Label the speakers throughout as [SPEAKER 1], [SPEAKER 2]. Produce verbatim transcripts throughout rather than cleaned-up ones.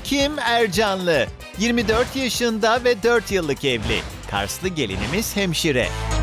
[SPEAKER 1] İlkim Ercanlı. yirmi dört yaşında ve dört yıllık evli. Karslı gelinimiz hemşire.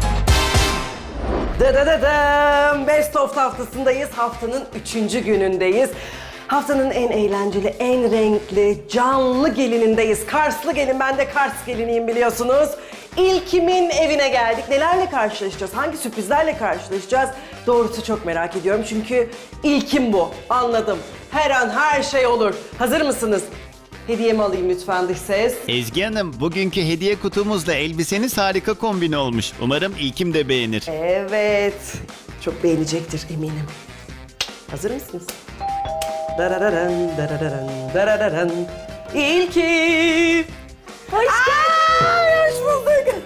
[SPEAKER 2] Dıdıdıdım. Best of haftasındayız. Haftanın üçüncü günündeyiz. Haftanın en eğlenceli, en renkli, canlı gelinindeyiz. Karslı gelin, ben de Kars geliniyim biliyorsunuz. İlkim'in evine geldik. Nelerle karşılaşacağız? Hangi sürprizlerle karşılaşacağız? Doğrusu çok merak ediyorum çünkü ilkim bu. Anladım. Her an her şey olur. Hazır mısınız? Hediyemi alayım lütfen dış ses.
[SPEAKER 1] Ezgi Hanım, bugünkü hediye kutumuzla elbiseniz harika kombin olmuş. Umarım İlkim de beğenir.
[SPEAKER 2] Evet. Çok beğenecektir eminim. Hazır mısınız? Darararan, darararan, darararan. İlki. Hoş geldin. Hoş bulduk.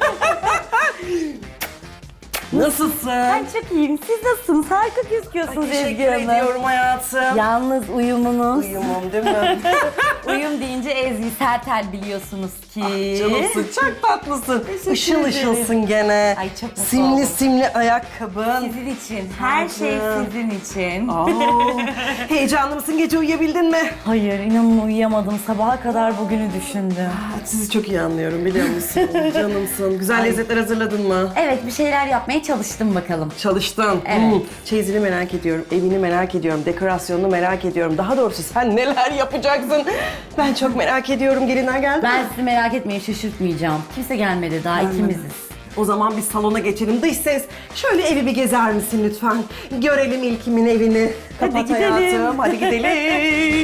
[SPEAKER 2] Nasılsın?
[SPEAKER 3] Ben çok iyiyim. Siz nasılsınız? Harika gözüküyorsunuz Ezgi
[SPEAKER 2] Teşekkür
[SPEAKER 3] Hanım.
[SPEAKER 2] ediyorum hayatım.
[SPEAKER 3] Yalnız uyumunuz.
[SPEAKER 2] Uyumum değil mi?
[SPEAKER 3] Uyum deyince Ezgi Sertel biliyorsunuz ki.
[SPEAKER 2] Canımsın, çok tatlısın.
[SPEAKER 3] Teşekkür
[SPEAKER 2] Işıl
[SPEAKER 3] ederim.
[SPEAKER 2] ışılsın gene.
[SPEAKER 3] Ay, çok mutlu
[SPEAKER 2] Simli
[SPEAKER 3] oldum.
[SPEAKER 2] simli ayakkabın.
[SPEAKER 3] Sizin için. Her şey
[SPEAKER 2] Tacım.
[SPEAKER 3] sizin için.
[SPEAKER 2] Aa, heyecanlı mısın? Gece uyuyabildin mi?
[SPEAKER 3] Hayır, inanın uyuyamadım. Sabaha kadar bugünü düşündüm.
[SPEAKER 2] Sizi çok iyi anlıyorum biliyor musun? Canımsın. Güzel lezzetler hazırladın mı?
[SPEAKER 3] Evet, bir şeyler yapmaya çalıştım bakalım.
[SPEAKER 2] Çalıştın.
[SPEAKER 3] Evet.
[SPEAKER 2] Hmm. Çeyizini merak ediyorum, evini merak ediyorum, dekorasyonunu merak ediyorum. Daha doğrusu sen neler yapacaksın? Ben çok merak ediyorum. Gelinler geldi
[SPEAKER 3] Ben
[SPEAKER 2] mi?
[SPEAKER 3] sizi merak etmeyin, şaşırtmayacağım. Kimse gelmedi daha, ikimiziz.
[SPEAKER 2] O zaman biz salona geçelim. Dış ses, şöyle evi bir gezer misin lütfen? Görelim İlkim'in evini.
[SPEAKER 3] Hadi
[SPEAKER 2] Kapat
[SPEAKER 3] gidelim.
[SPEAKER 2] hayatım, hadi gidelim.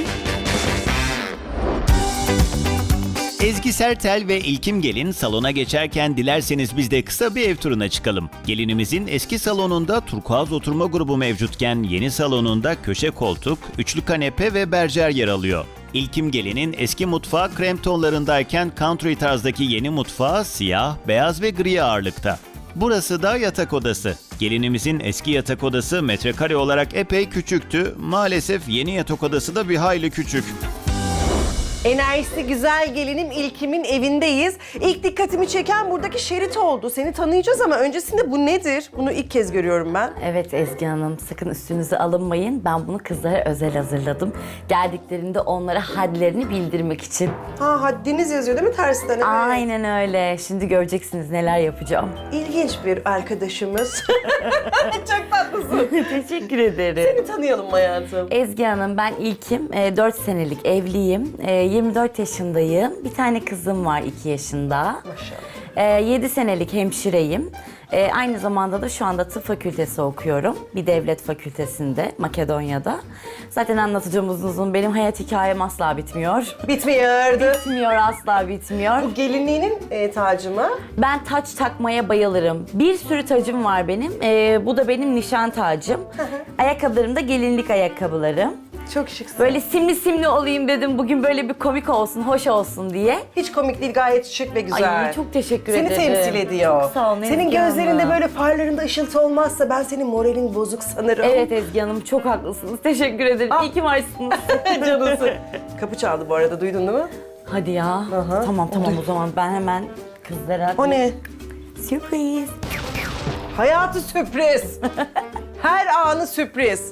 [SPEAKER 1] Ezgi Sertel ve İlkim Gelin salona geçerken dilerseniz biz de kısa bir ev turuna çıkalım. Gelinimizin eski salonunda turkuaz oturma grubu mevcutken yeni salonunda köşe koltuk, üçlü kanepe ve berjer yer alıyor. İlkim Gelin'in eski mutfağı krem tonlarındayken country tarzdaki yeni mutfağı siyah, beyaz ve gri ağırlıkta. Burası da yatak odası. Gelinimizin eski yatak odası metrekare olarak epey küçüktü. Maalesef yeni yatak odası da bir hayli küçük.
[SPEAKER 2] Enerjisi güzel gelinim İlkim'in evindeyiz. İlk dikkatimi çeken buradaki şerit oldu. Seni tanıyacağız ama öncesinde bu nedir? Bunu ilk kez görüyorum ben.
[SPEAKER 3] Evet Ezgi Hanım, sakın üstünüze alınmayın. Ben bunu kızlara özel hazırladım. Geldiklerinde onlara hadlerini bildirmek için.
[SPEAKER 2] Ha, haddiniz yazıyor değil mi tersten? Evet.
[SPEAKER 3] Aynen öyle. Şimdi göreceksiniz neler yapacağım.
[SPEAKER 2] İlginç bir arkadaşımız. Çok tatlısın.
[SPEAKER 3] Teşekkür ederim.
[SPEAKER 2] Seni tanıyalım hayatım.
[SPEAKER 3] Ezgi Hanım, ben İlkim. E, dört senelik evliyim. E, yirmi dört yaşındayım. Bir tane kızım var iki yaşında.
[SPEAKER 2] Maşallah.
[SPEAKER 3] E, yedi senelik hemşireyim. E, aynı zamanda da şu anda tıp fakültesi okuyorum. Bir devlet fakültesinde, Makedonya'da. Zaten anlatacağım uzun uzun. Benim hayat hikayem asla bitmiyor.
[SPEAKER 2] Bitmiyordu.
[SPEAKER 3] Bitmiyor, asla bitmiyor.
[SPEAKER 2] Bu gelinliğinin e, tacı mı?
[SPEAKER 3] Ben taç takmaya bayılırım. Bir sürü tacım var benim. Ee, bu da benim nişan tacım. Ayakkabılarım da gelinlik ayakkabılarım.
[SPEAKER 2] Çok şıksın.
[SPEAKER 3] Böyle simli simli olayım dedim. Bugün böyle bir komik olsun, hoş olsun diye.
[SPEAKER 2] Hiç komik değil, gayet şık ve güzel.
[SPEAKER 3] Ay çok teşekkür
[SPEAKER 2] Seni
[SPEAKER 3] ederim.
[SPEAKER 2] temsil ediyor.
[SPEAKER 3] Çok sağ olun
[SPEAKER 2] Senin
[SPEAKER 3] Ezgi
[SPEAKER 2] gözlerinde
[SPEAKER 3] Hanım.
[SPEAKER 2] böyle farlarında ışıltı olmazsa ben senin moralin bozuk sanırım.
[SPEAKER 3] Evet Ezgi Hanım, çok haklısınız. Teşekkür ederim.
[SPEAKER 2] Ah.
[SPEAKER 3] İyi ki varsınız.
[SPEAKER 2] Canısı. Kapı çaldı bu arada, duydun değil mi?
[SPEAKER 3] Hadi ya.
[SPEAKER 2] Aha.
[SPEAKER 3] Tamam tamam o zaman ben hemen kızlara...
[SPEAKER 2] O ne?
[SPEAKER 3] Sürpriz.
[SPEAKER 2] Hayatı sürpriz. Her anı sürpriz.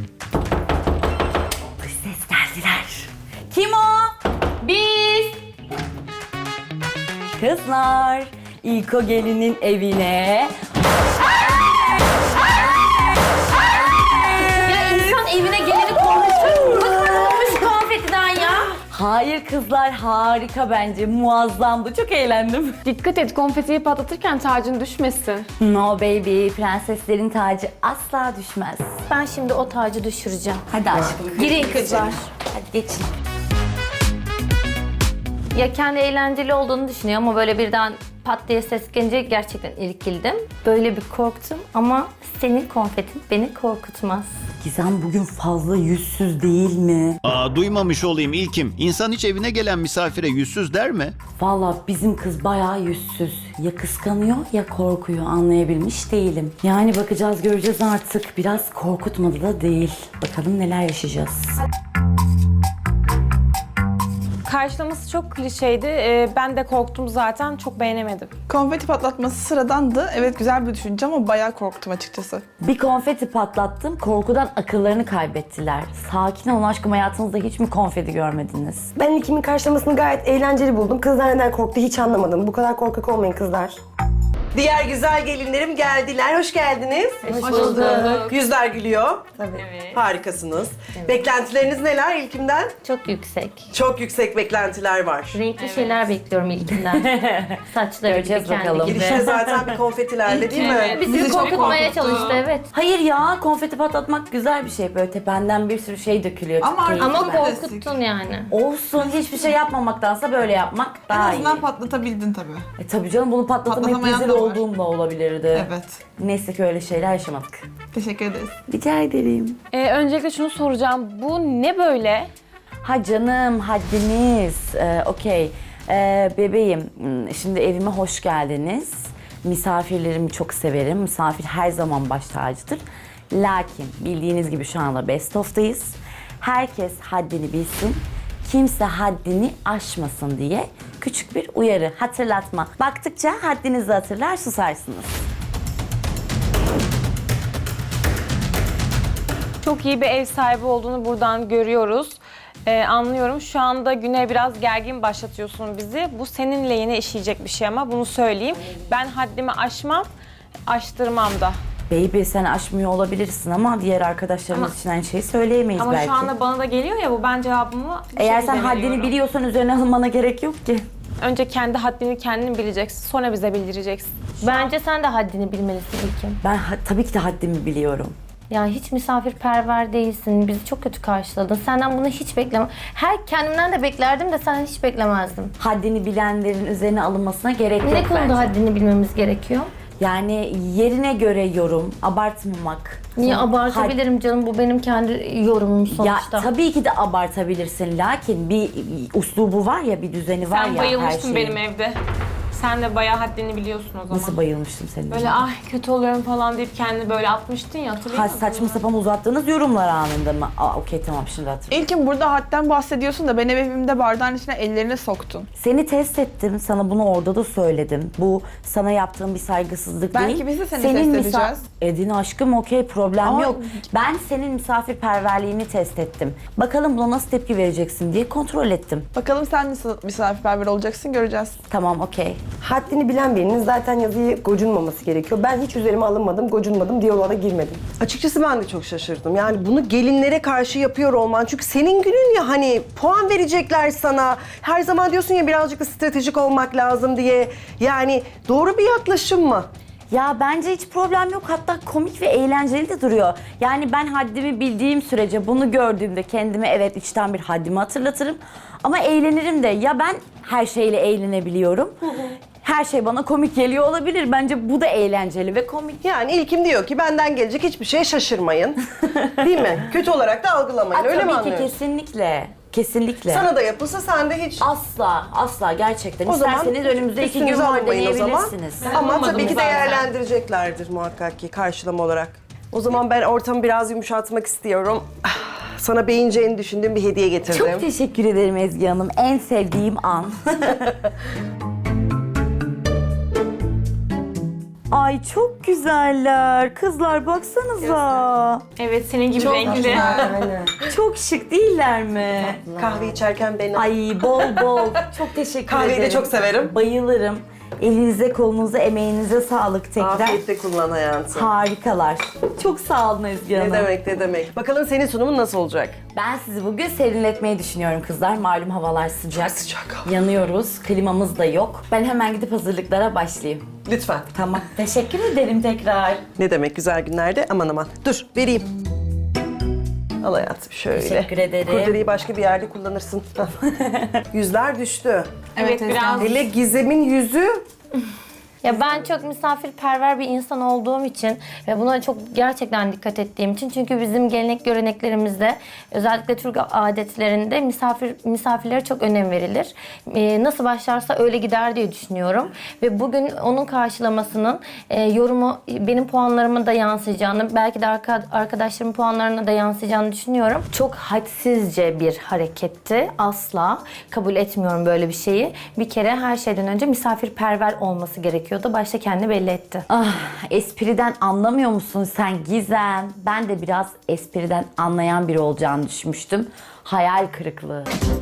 [SPEAKER 3] Dış ses geldiler. Kim o? Biz. Kızlar, ilk o gelinin evine. Ya insan evine geleni konuşur mu? Bakın şu konfetiden ya. Hayır kızlar, harika bence. Muazzamdı. Çok eğlendim.
[SPEAKER 4] Dikkat et, konfetiyi patlatırken tacın düşmesin.
[SPEAKER 3] No baby, prenseslerin tacı asla düşmez.
[SPEAKER 5] Ben şimdi o tacı düşüreceğim.
[SPEAKER 3] Hadi aşkım.
[SPEAKER 5] Girin kızlar.
[SPEAKER 3] Hadi geçin.
[SPEAKER 5] Ya kendi eğlenceli olduğunu düşünüyor ama böyle birden pat diye ses gelince gerçekten irkildim. Böyle bir korktum ama senin konfetin beni korkutmaz.
[SPEAKER 3] Gizem bugün fazla yüzsüz değil mi?
[SPEAKER 1] Aa, duymamış olayım İlkim. İnsan hiç evine gelen misafire yüzsüz der mi?
[SPEAKER 3] Vallahi bizim kız bayağı yüzsüz. Ya kıskanıyor ya korkuyor, anlayabilmiş değilim. Yani bakacağız, göreceğiz artık. Biraz korkutmadı da değil. Bakalım neler yaşayacağız.
[SPEAKER 6] Karşılaması çok klişeydi. Ee, ben de korktum zaten. Çok beğenemedim.
[SPEAKER 7] Konfeti patlatması sıradandı. Evet güzel bir düşünce ama bayağı korktum açıkçası.
[SPEAKER 3] Bir konfeti patlattım, korkudan akıllarını kaybettiler. Sakin olun aşkım, hayatınızda hiç mi konfeti görmediniz?
[SPEAKER 2] Ben ilkimin karşılamasını gayet eğlenceli buldum. Kızlar neden korktu hiç anlamadım. Bu kadar korkak olmayın kızlar. Diğer güzel gelinlerim geldiler. Hoş geldiniz.
[SPEAKER 6] Hoş bulduk.
[SPEAKER 2] Yüzler gülüyor. Tabii. Harikasınız. Beklentileriniz neler ilkimden?
[SPEAKER 5] Çok yüksek.
[SPEAKER 2] Çok yüksek beklentiler var.
[SPEAKER 5] Renkli şeyler bekliyorum ilkinden. Saçları gibi,
[SPEAKER 3] Göreceğiz
[SPEAKER 5] kendi
[SPEAKER 3] bakalım.
[SPEAKER 5] gibi.
[SPEAKER 2] Girişte zaten bir konfetilerle değil mi?
[SPEAKER 5] Bizi,
[SPEAKER 6] Bizi çok
[SPEAKER 5] korkutmaya
[SPEAKER 6] korkuttu.
[SPEAKER 5] çalıştı, evet.
[SPEAKER 3] Hayır ya, konfeti patlatmak güzel bir şey. Böyle tependen bir sürü şey dökülüyor. Çok
[SPEAKER 7] Ama-
[SPEAKER 3] keyifli.
[SPEAKER 5] Ama
[SPEAKER 7] Klasik.
[SPEAKER 5] korkuttun yani.
[SPEAKER 3] Olsun, hiçbir şey yapmamaktansa böyle yapmak
[SPEAKER 7] En
[SPEAKER 3] daha iyi.
[SPEAKER 7] azından patlatabildin tabii.
[SPEAKER 3] E tabii canım, bunu patlatamayıp
[SPEAKER 7] Patlatamayan
[SPEAKER 3] rezil
[SPEAKER 7] da var.
[SPEAKER 3] olduğum da olabilirdi.
[SPEAKER 7] Evet.
[SPEAKER 3] Neyse ki öyle şeyler yaşamadık.
[SPEAKER 7] Teşekkür ederiz.
[SPEAKER 3] Rica ederim.
[SPEAKER 6] Ee, öncelikle şunu soracağım. Bu ne böyle?
[SPEAKER 3] Ha canım, haddiniz. Ee, Okey. Ee, bebeğim, hmm, şimdi evime hoş geldiniz. Misafirlerimi çok severim. Misafir her zaman baş tacıdır. Lakin bildiğiniz gibi şu anda Best of'tayız. Herkes haddini bilsin. Kimse haddini aşmasın diye küçük bir uyarı, hatırlatma. Baktıkça haddinizi hatırlar, susarsınız.
[SPEAKER 6] Çok iyi bir ev sahibi olduğunu buradan görüyoruz. Ee, anlıyorum. Şu anda güne biraz gergin başlatıyorsun bizi. Bu senin lehine işleyecek bir şey ama bunu söyleyeyim. Ben haddimi aşmam, aştırmam da.
[SPEAKER 3] Baby, sen aşmıyor olabilirsin ama diğer arkadaşlarımız
[SPEAKER 6] Ama-
[SPEAKER 3] için aynı şeyi söyleyemeyiz
[SPEAKER 6] Ama
[SPEAKER 3] belki.
[SPEAKER 6] şu anda bana da geliyor ya bu, ben cevabımı bu
[SPEAKER 3] Eğer
[SPEAKER 6] şekilde
[SPEAKER 3] sen haddini
[SPEAKER 6] veriyorum.
[SPEAKER 3] biliyorsan üzerine alınmana gerek yok ki.
[SPEAKER 6] Önce kendi haddini kendin bileceksin, sonra bize bildireceksin.
[SPEAKER 5] Bence sen de haddini bilmelisin İlkim.
[SPEAKER 3] Ben ha- tabii ki de haddimi biliyorum.
[SPEAKER 5] Yani hiç misafirperver değilsin. Bizi çok kötü karşıladın. Senden bunu hiç beklemem. Her kendimden de beklerdim de senden hiç beklemezdim.
[SPEAKER 3] Haddini bilenlerin üzerine alınmasına gerek yok
[SPEAKER 5] Ne konuda
[SPEAKER 3] bence.
[SPEAKER 5] haddini bilmemiz gerekiyor?
[SPEAKER 3] Yani yerine göre yorum, abartmamak.
[SPEAKER 5] Niye
[SPEAKER 3] Sonra
[SPEAKER 5] abartabilirim canım? Bu benim kendi yorumum
[SPEAKER 3] had-
[SPEAKER 5] sonuçta.
[SPEAKER 3] Ya tabii ki de abartabilirsin. Lakin bir uslubu var ya, bir düzeni var
[SPEAKER 6] Sen
[SPEAKER 3] ya her
[SPEAKER 6] bayılmıştın
[SPEAKER 3] şeyin.
[SPEAKER 6] benim evde. Sen de bayağı haddini biliyorsun o zaman.
[SPEAKER 3] Nasıl bayılmıştım senin
[SPEAKER 6] Böyle
[SPEAKER 3] için?
[SPEAKER 6] ay kötü oluyorum falan deyip kendini böyle atmıştın ya, hatırlıyor
[SPEAKER 3] Ha,
[SPEAKER 6] musun?
[SPEAKER 3] saçma sapan uzattığınız yorumlar anında mı? Aa, okey, tamam, şimdi hatırlıyorum.
[SPEAKER 7] İlkin burada hadden bahsediyorsun da ben evimde bardağın içine ellerini soktun.
[SPEAKER 3] Seni test ettim. Sana bunu orada da söyledim. Bu sana yaptığım bir saygısızlık
[SPEAKER 7] Belki
[SPEAKER 3] değil.
[SPEAKER 7] biz de seni test edeceğiz.
[SPEAKER 3] Edin aşkım, okey, problem
[SPEAKER 7] Ama-
[SPEAKER 3] yok. Ben senin misafirperverliğini test ettim. Bakalım buna nasıl tepki vereceksin diye kontrol ettim.
[SPEAKER 7] Bakalım sen nasıl misafirperver olacaksın, göreceğiz.
[SPEAKER 3] Tamam, okey.
[SPEAKER 2] Haddini bilen birinin zaten yazıyı gocunmaması gerekiyor. Ben hiç üzerime alınmadım, gocunmadım, diyaloğa da girmedim. Açıkçası ben de çok şaşırdım. Yani bunu gelinlere karşı yapıyor olman. Çünkü senin günün ya, hani puan verecekler sana. Her zaman diyorsun ya birazcık da stratejik olmak lazım diye. Yani doğru bir yaklaşım mı?
[SPEAKER 3] Ya bence hiç problem yok. Hatta komik ve eğlenceli de duruyor. Yani ben haddimi bildiğim sürece bunu gördüğümde kendime evet içten bir haddimi hatırlatırım. Ama eğlenirim de. Ya ben her şeyle eğlenebiliyorum. Her şey bana komik geliyor olabilir. Bence bu da eğlenceli ve komik.
[SPEAKER 2] Yani ilkim diyor ki benden gelecek hiçbir şeye şaşırmayın. Değil mi? Kötü olarak da algılamayın.
[SPEAKER 3] Aa,
[SPEAKER 2] Öyle mi
[SPEAKER 3] tabii ki,
[SPEAKER 2] anlıyorsun?
[SPEAKER 3] kesinlikle. Kesinlikle.
[SPEAKER 2] Sana da yapılsa sen de hiç...
[SPEAKER 3] Asla, asla gerçekten.
[SPEAKER 2] O zaman
[SPEAKER 3] İsterseniz önümüzde iki gün
[SPEAKER 2] üstünüze
[SPEAKER 3] var,
[SPEAKER 2] almayın o zaman.
[SPEAKER 3] deneyebilirsiniz.
[SPEAKER 2] Ama
[SPEAKER 6] olmadım
[SPEAKER 2] tabii ki
[SPEAKER 6] zaten.
[SPEAKER 2] değerlendireceklerdir muhakkak ki karşılama olarak. O zaman ben ortamı biraz yumuşatmak istiyorum. Ah, Sana beğeneceğini düşündüğüm bir hediye getirdim.
[SPEAKER 3] Çok teşekkür ederim Ezgi Hanım. En sevdiğim an. Ay çok güzeller. Kızlar baksanıza.
[SPEAKER 6] Evet, senin gibi renkli.
[SPEAKER 2] Aynen.
[SPEAKER 3] Çok şık değiller mi?
[SPEAKER 2] Kahve içerken beni...
[SPEAKER 3] Ay bol bol. Çok teşekkür
[SPEAKER 2] Kahveyi de
[SPEAKER 3] ederim.
[SPEAKER 2] çok severim.
[SPEAKER 3] Bayılırım. Elinize, kolunuza, emeğinize sağlık tekrar.
[SPEAKER 2] Afiyetle kullan hayatım.
[SPEAKER 3] Harikalar. Çok sağ olun Ezgi Hanım.
[SPEAKER 2] Ne demek ne demek. Bakalım senin sunumun nasıl olacak?
[SPEAKER 3] Ben sizi bugün serinletmeyi düşünüyorum kızlar. Malum havalar sıcak.
[SPEAKER 2] Çok sıcak hava.
[SPEAKER 3] Yanıyoruz. Klimamız da yok. Ben hemen gidip hazırlıklara başlayayım.
[SPEAKER 2] Lütfen.
[SPEAKER 3] Tamam. Teşekkür ederim tekrar.
[SPEAKER 2] Ne demek güzel günlerde? Aman aman. Dur vereyim. Al hayatım şöyle.
[SPEAKER 3] Teşekkür ederim.
[SPEAKER 2] Kurdeleyi başka bir yerde kullanırsın. Yüzler düştü.
[SPEAKER 6] Evet, biraz
[SPEAKER 2] Hele Gizem'in yüzü
[SPEAKER 5] Ya ben çok misafirperver bir insan olduğum için ve buna çok gerçekten dikkat ettiğim için, çünkü bizim gelenek göreneklerimizde, özellikle Türk adetlerinde misafir misafirlere çok önem verilir. Ee, nasıl başlarsa öyle gider diye düşünüyorum ve bugün onun karşılamasının e, yorumu benim puanlarıma da yansıyacağını, belki de arka, arkadaşlarımın puanlarına da yansıyacağını düşünüyorum. Çok hadsizce bir hareketti. Asla kabul etmiyorum böyle bir şeyi. Bir kere her şeyden önce misafirperver olması gerekiyordu. Başta kendini belli etti.
[SPEAKER 3] Ah, espriden anlamıyor musun sen Gizem? Ben de biraz espriden anlayan biri olacağını düşünmüştüm. Hayal kırıklığı.